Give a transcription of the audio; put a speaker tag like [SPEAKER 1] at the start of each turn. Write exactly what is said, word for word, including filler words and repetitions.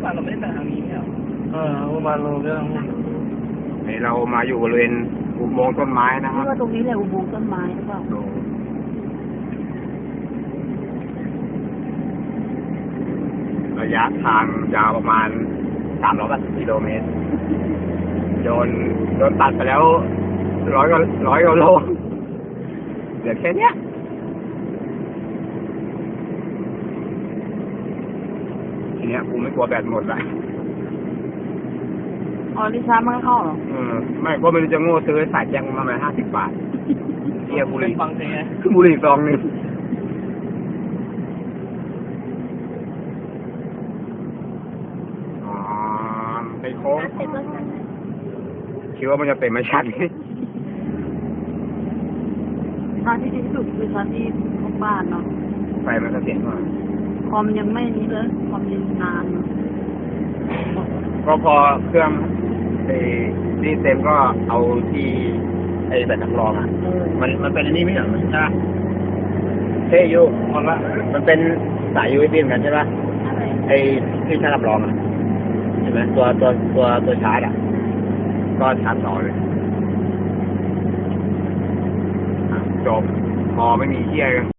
[SPEAKER 1] บ้านเราไม่ได้ไปทางนี้เนี่ยเออบ้านเราเรื่อง
[SPEAKER 2] นี่เรามาอยู่บริเวณอุโมงค์ต้นไม้นะครับ
[SPEAKER 3] นี่ว่าตรงนี้แหละอุโมงค์ต้นไม้หรือเปล่า
[SPEAKER 2] ระยะทางยาวประมาณสามร้อยกิโลเมตรโดนโดนตัดไปแล้วร้อยกว่าร้อยกว่าโลเหลือแค่เนี้ยทีเนี้ยกูไม่กลัวแบตหมดละ
[SPEAKER 3] อ๋อลิซ่ามันเข้าหรอ
[SPEAKER 2] เออไม่ก็ไม่รู้จะโง่ซื้อสายแจ้งมาประมาณห้าสิบบาทเทียบุหรี่
[SPEAKER 1] ฟังเพลงไง
[SPEAKER 2] บุหรี่ซองนึงอ๋อไปโค้งคิดว่ามันจะเป็นไม่ชัดนี่
[SPEAKER 3] ทางที่ดีที่สุดคือทางที่ทุกบ้านเนาะ
[SPEAKER 2] ไฟมันก็เสียงมา
[SPEAKER 3] คอมยังไม่นี้เลยคอมยังนาน
[SPEAKER 2] ก็พอเครื่องไอ้นี่เต็มก็เอาที่ไอ้แบบสำรองอ่ะมันมันเป็นอันนี้ไม่เหรอมันใช่เท่ยูมันละมันเป็นสาย ยู เอส บี เหมือนกันใช่ปะไอ้ที่ชาร์จสำรองอ่ะใช่ไหมตัวตัวตัวตัวชาร์จอ่ะก็ชาร์จต่อเลยจบพอไม่มีเที่ยง